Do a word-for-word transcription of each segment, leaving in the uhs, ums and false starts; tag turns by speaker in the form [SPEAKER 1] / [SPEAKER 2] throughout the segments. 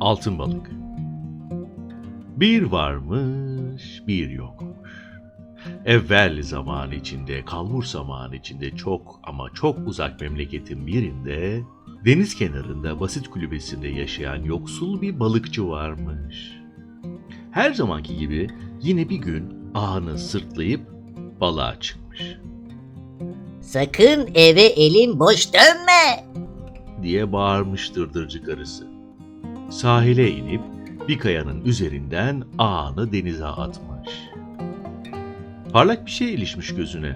[SPEAKER 1] Altın balık. Bir varmış, bir yokmuş. Evvel zaman içinde, kalbur zaman içinde çok ama çok uzak memleketin birinde, deniz kenarında basit kulübesinde yaşayan yoksul bir balıkçı varmış. Her zamanki gibi yine bir gün ağını sırtlayıp balığa çıkmış.
[SPEAKER 2] Sakın eve elin boş dönme.
[SPEAKER 1] Diye bağırmış dırdırcı karısı. Sahile inip bir kayanın üzerinden ağını denize atmış. Parlak bir şey ilişmiş gözüne.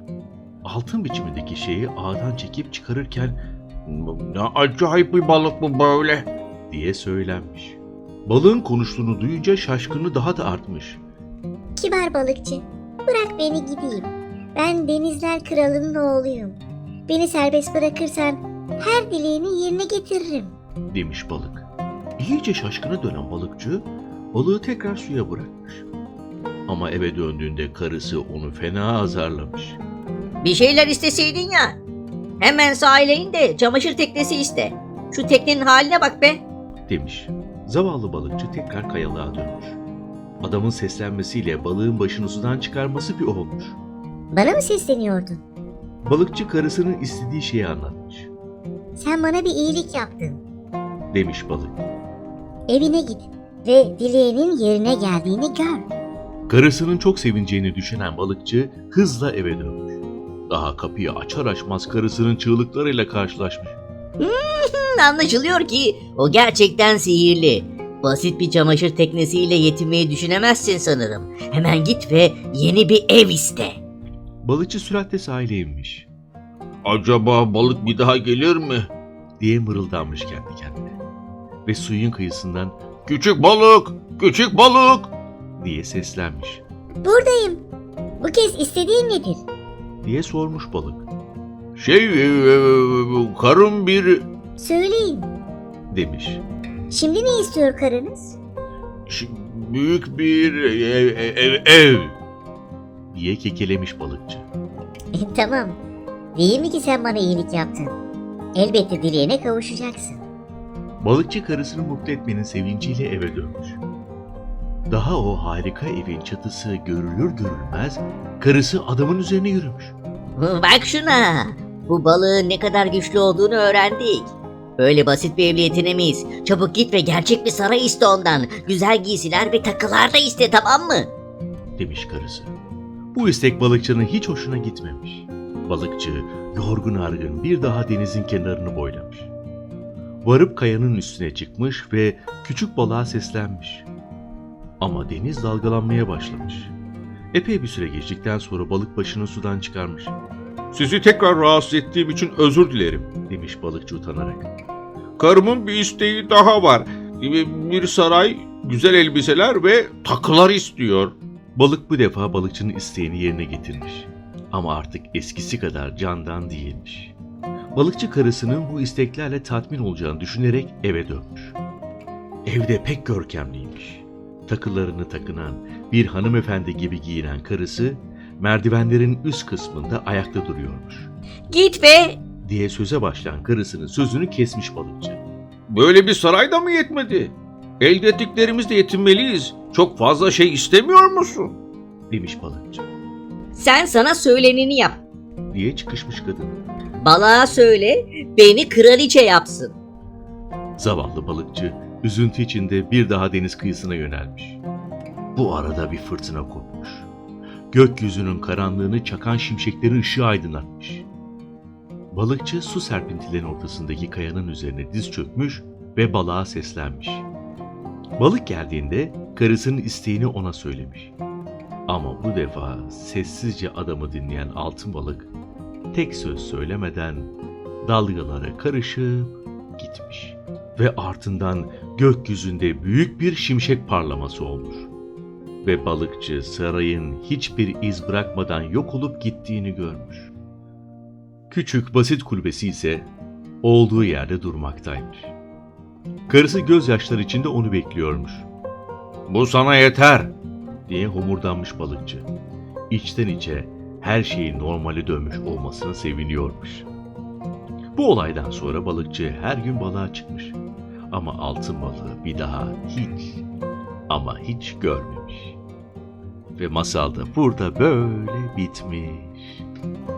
[SPEAKER 1] Altın biçimindeki şeyi ağdan çekip çıkarırken "Ne acayip bir balık bu böyle?" diye söylenmiş. Balığın konuştuğunu duyunca şaşkınlığı daha da artmış.
[SPEAKER 3] Kibar balıkçı, bırak beni gideyim. Ben denizler kralının oğluyum. Beni serbest bırakırsan her dileğini yerine getiririm.
[SPEAKER 1] Demiş balık. İyice şaşkına dönen balıkçı balığı tekrar suya bırakmış. Ama eve döndüğünde karısı onu fena azarlamış.
[SPEAKER 2] Bir şeyler isteseydin ya. Hemen sahile in de çamaşır teknesi iste. Şu teknenin haline bak be.
[SPEAKER 1] Demiş. Zavallı balıkçı tekrar kayalığa dönmüş. Adamın seslenmesiyle balığın başını sudan çıkarması bir olmuş.
[SPEAKER 3] Bana mı sesleniyordun?
[SPEAKER 1] Balıkçı karısının istediği şeyi anlatmış.
[SPEAKER 3] Sen bana bir iyilik yaptın.
[SPEAKER 1] Demiş balık.
[SPEAKER 3] Evine git ve dileğinin yerine geldiğini gör.
[SPEAKER 1] Karısının çok sevineceğini düşünen balıkçı hızla eve dönmüş. Daha kapıyı açar açmaz karısının çığlıklarıyla karşılaşmış.
[SPEAKER 2] Hmm, anlaşılıyor ki o gerçekten sihirli. Basit bir çamaşır teknesiyle yetinmeyi düşünemezsin sanırım. Hemen git ve yeni bir ev iste.
[SPEAKER 1] Balıkçı süratle sahile inmiş. "Acaba balık bir daha gelir mi?" diye mırıldanmış kendi kendine. Ve suyun kıyısından "Küçük balık, küçük balık!" diye seslenmiş.
[SPEAKER 3] Buradayım. Bu kez istediğin nedir?
[SPEAKER 1] Diye sormuş balık. "Şey, e, e, karım bir..."
[SPEAKER 3] Söyleyin.
[SPEAKER 1] demiş.
[SPEAKER 3] Şimdi ne istiyor karınız?
[SPEAKER 1] "Ş- Büyük bir ev, ev, ev!" diye kekelemiş balıkçı.
[SPEAKER 3] Tamam. Değil mi ki sen bana iyilik yaptın? Elbette dileğine kavuşacaksın.
[SPEAKER 1] Balıkçı karısını mutlu etmenin sevinciyle eve dönmüş. Daha o harika evin çatısı görülür görülmez karısı adamın üzerine yürümüş.
[SPEAKER 2] Bak şuna. Bu balığın ne kadar güçlü olduğunu öğrendik. Öyle basit bir evle yetinemeyiz. Çabuk git ve gerçek bir saray iste ondan. Güzel giysiler ve takılar da iste, tamam mı?
[SPEAKER 1] Demiş karısı. Bu istek balıkçının hiç hoşuna gitmemiş. Balıkçı yorgun argın bir daha denizin kenarını boylamış. Varıp kayanın üstüne çıkmış ve küçük balığa seslenmiş. Ama deniz dalgalanmaya başlamış. Epey bir süre geçtikten sonra balık başını sudan çıkarmış. "Sizi tekrar rahatsız ettiğim için özür dilerim," demiş balıkçı utanarak. "Karımın bir isteği daha var. Bir saray, güzel elbiseler ve takılar istiyor." Balık bu defa balıkçının isteğini yerine getirmiş. Ama artık eskisi kadar candan değilmiş. Balıkçı karısının bu isteklerle tatmin olacağını düşünerek eve dönmüş. Evde pek görkemliymiş. Takılarını takınan, bir hanımefendi gibi giyinen karısı merdivenlerin üst kısmında ayakta duruyormuş.
[SPEAKER 2] Git be.
[SPEAKER 1] Diye söze başlayan karısının sözünü kesmiş balıkçı. "Böyle bir saray da mı yetmedi? Elde ettiklerimizle yetinmeliyiz. Çok fazla şey istemiyor musun?" Demiş balıkçı.
[SPEAKER 2] Sen sana söyleneni yap.
[SPEAKER 1] Diye çıkışmış kadın.
[SPEAKER 2] Balığa söyle beni kraliçe yapsın.
[SPEAKER 1] Zavallı balıkçı üzüntü içinde bir daha deniz kıyısına yönelmiş. Bu arada bir fırtına kopmuş. Gökyüzünün karanlığını çakan şimşeklerin ışığı aydınlatmış. Balıkçı su serpintilerin ortasındaki kayanın üzerine diz çökmüş ve balığa seslenmiş. Balık geldiğinde karısının isteğini ona söylemiş. Ama bu defa sessizce adamı dinleyen altın balık tek söz söylemeden dalgalara karışıp gitmiş. Ve ardından gökyüzünde büyük bir şimşek parlaması olmuş. Ve balıkçı sarayın hiçbir iz bırakmadan yok olup gittiğini görmüş. Küçük basit kulübesi ise olduğu yerde durmaktaymış. Karısı gözyaşları içinde onu bekliyormuş. "Bu sana yeter," diye homurdanmış balıkçı. İçten içe her şeyin normale dönmüş olmasına seviniyormuş. Bu olaydan sonra balıkçı her gün balığa çıkmış. Ama altın balığı bir daha hiç ama hiç görmemiş. Ve masal da burada böyle bitmiş.